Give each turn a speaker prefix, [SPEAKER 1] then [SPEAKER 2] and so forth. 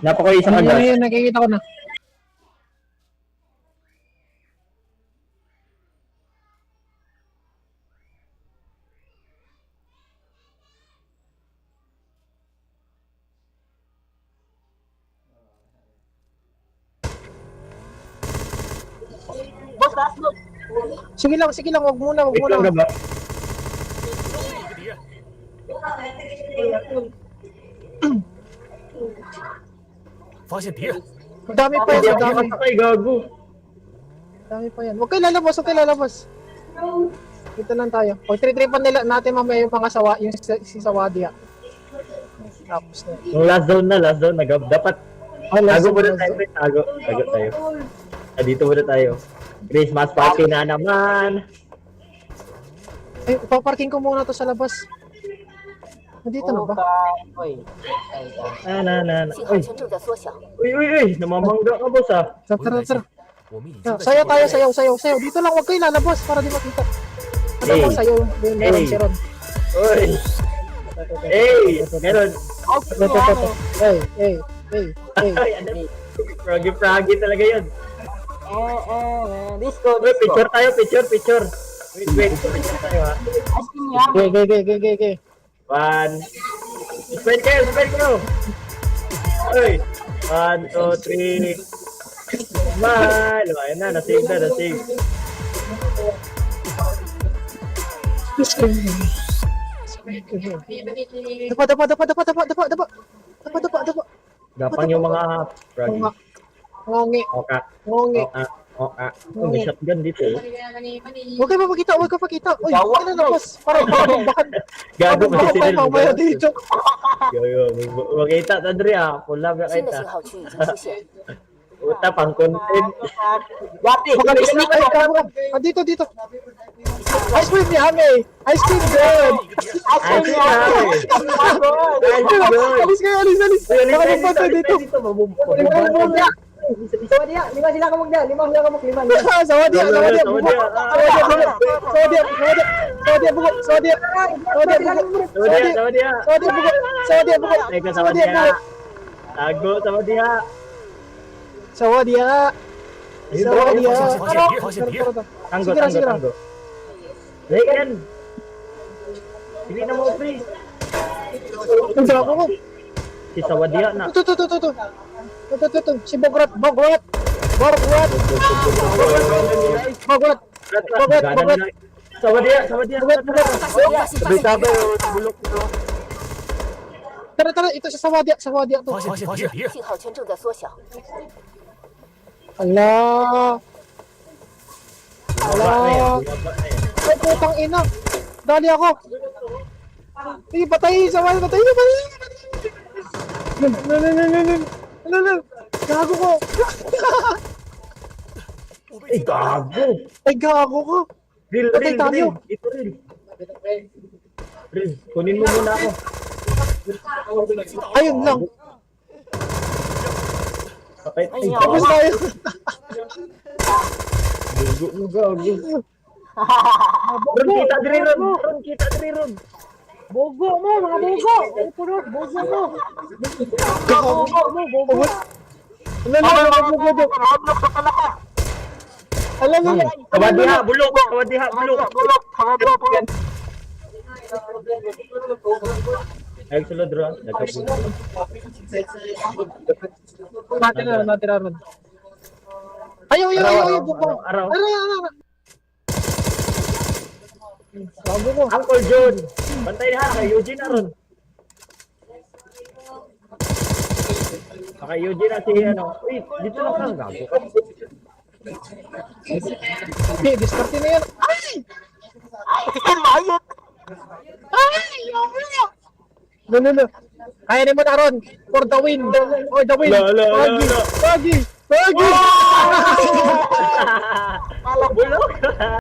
[SPEAKER 1] Napaka-isa ka na.
[SPEAKER 2] Ayun, nakikita ko na. Sige lang, wag muna, wag
[SPEAKER 1] Wait lang
[SPEAKER 2] muna.
[SPEAKER 1] na ba?
[SPEAKER 3] 发现敌人，
[SPEAKER 2] Madami pa yan,
[SPEAKER 1] Hindi ako
[SPEAKER 2] madami.
[SPEAKER 1] makasakay, gago.
[SPEAKER 2] Madami pa yan. Huwag kayo lalabas, huwag kayo lalabas. Dito lang tayo. Pag tritripan nila natin mamaya yung pangasawa, yung si Sawadia. Tapos na.
[SPEAKER 1] Yung last zone na, dapat tago muna tayo, pre. Tago tayo. Dito muna tayo. Christmas party na naman.
[SPEAKER 2] Ay, paparking ko muna to sa labas. Nandito na ba?
[SPEAKER 1] Na.
[SPEAKER 4] 信号圈正在缩小，
[SPEAKER 1] Uy, namamangga ka, boss, ah.
[SPEAKER 2] Tara, tara.
[SPEAKER 3] 我们已经在
[SPEAKER 2] Sayaw tayo, sayaw. Dito lang, huwag kayo lalabas para di makita. Ano
[SPEAKER 1] Hey.
[SPEAKER 2] mo sayaw? Yung
[SPEAKER 1] Hey.
[SPEAKER 2] si Ron.
[SPEAKER 1] Uy! Hey! Meron!
[SPEAKER 2] Ito. Hey.
[SPEAKER 1] Ay, ano? Froggy talaga yun.
[SPEAKER 5] Disco.
[SPEAKER 1] Uy, picture tayo, picture. Wait, picture tayo, ha.
[SPEAKER 2] Okay.
[SPEAKER 1] One. Spread kayo. Uy! 1, 2, 3. Smile! O, ayun na, nasave.
[SPEAKER 2] Dapa.
[SPEAKER 1] Gapang yung mga froggy.
[SPEAKER 2] Ngongi.
[SPEAKER 1] Oka. May shotgun dito, eh.
[SPEAKER 2] Huwag kayo mapakita. Uy, huwag ka na labas. Parang bakan.
[SPEAKER 1] Gago kasi sila.
[SPEAKER 2] Mamaya dito.
[SPEAKER 1] Yo, makita ta diri, ah. Pula ba
[SPEAKER 4] 新的
[SPEAKER 1] kita?
[SPEAKER 4] 信号区已经出现，
[SPEAKER 1] Uta pang content.
[SPEAKER 5] Wati.
[SPEAKER 2] Mag-sneak ay ka. Dito. Ice cream yummy. Ice cream good.
[SPEAKER 1] Ay,
[SPEAKER 2] Alis kayo. Baka magpatay dito.
[SPEAKER 5] Lima sila kamog na. Lima.
[SPEAKER 2] Sawadia. Sawadia.
[SPEAKER 1] Tanggo. Lekan. Hindi na mo free.
[SPEAKER 2] Ang dako ko.
[SPEAKER 1] Si Sawadia na.
[SPEAKER 2] Ito. Si Bograt.
[SPEAKER 1] Sawadia.
[SPEAKER 2] Sabay.
[SPEAKER 1] Bulok ko.
[SPEAKER 2] Tara, ito si Sawadia to.
[SPEAKER 3] 发现敌人，
[SPEAKER 4] 信号圈正在缩小，
[SPEAKER 2] Ala. Ay, putang ina. Dali ako. Sige, patay. No. Gago ko.
[SPEAKER 1] Ay, gago.
[SPEAKER 2] Ay, gago ko.
[SPEAKER 1] Real.
[SPEAKER 2] Patay tayo.
[SPEAKER 1] Ito real. Kunin mo muna ako.
[SPEAKER 2] Ayun lang.
[SPEAKER 1] Patay. Ay,
[SPEAKER 2] Tapos tayo.
[SPEAKER 1] gago mo, gago. Ron, kita diri ron.
[SPEAKER 5] Bogo mo, mga bogo. Purot, bogo mo.
[SPEAKER 2] Gago. Ala.
[SPEAKER 1] Kawadiha, bulok. Ay, sulod ron. Nagkabulok.
[SPEAKER 2] Natira ron. Ayaw. Buko.
[SPEAKER 1] Araw.
[SPEAKER 2] Gago ko.
[SPEAKER 1] Uncle John. Bantay na kay Eugene na ron. Kay Eugene na si ano. Uy, dito lang kang gago.
[SPEAKER 2] Okay, diskarte na yan. Ay! No. Kaya ni mo na ron. For the win. Pagi.
[SPEAKER 1] Bulok.